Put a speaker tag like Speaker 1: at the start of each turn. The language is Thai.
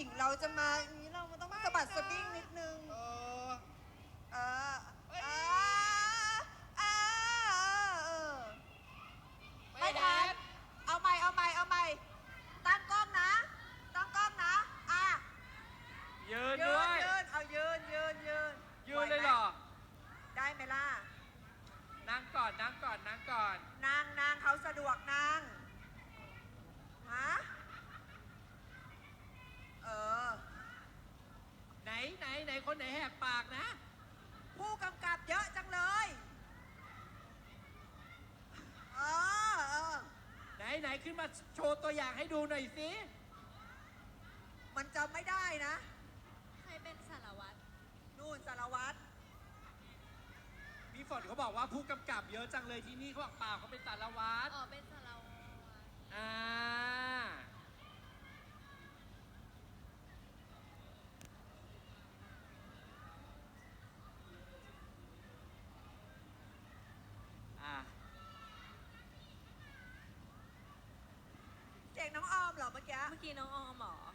Speaker 1: ญิงเราจะมาอย่างนี้เรามันต้องสะบัดสะบิ้งนิดนึง
Speaker 2: เออ
Speaker 1: เออ
Speaker 2: เฮ้ย
Speaker 1: เออ
Speaker 2: ไม่
Speaker 1: ไม่
Speaker 2: เห็
Speaker 1: ทัน
Speaker 2: น
Speaker 1: เอาใหม่ตั้งกล้องนะอ่ะ
Speaker 2: ยืน
Speaker 1: ยื
Speaker 2: ด้วน ย
Speaker 1: เอายืน
Speaker 2: ยืน
Speaker 1: ไหว
Speaker 2: เลยเหรอ
Speaker 1: ได้ไหมล่ะ
Speaker 2: นั่งก่อน
Speaker 1: นั่งเขาสะดวกนั่งฮะเออ
Speaker 2: ไหนคนไหนแหกปากนะ
Speaker 1: ผู้กำกับเยอะจังเลย เออ
Speaker 2: ไหนขึ้นมาโชว์ตัวอย่างให้ดูหน่อยสิ
Speaker 1: มันจำไม่ได้นะ
Speaker 3: ใครเป็นสารวัตร
Speaker 1: นู่นสารวัตร
Speaker 2: พี่ฝนเขาบอกว่าผู้กำกับเยอะจังเลยที่นี่เขาบอกเปล่าเขาเป็นสารวัตร
Speaker 3: อ๋อ เป็นสารวัตร
Speaker 2: อ่าอ่า
Speaker 1: เสียงน้องออมเหรอเมื่อกี้
Speaker 3: เมื่อกี้น้องออมเหรอ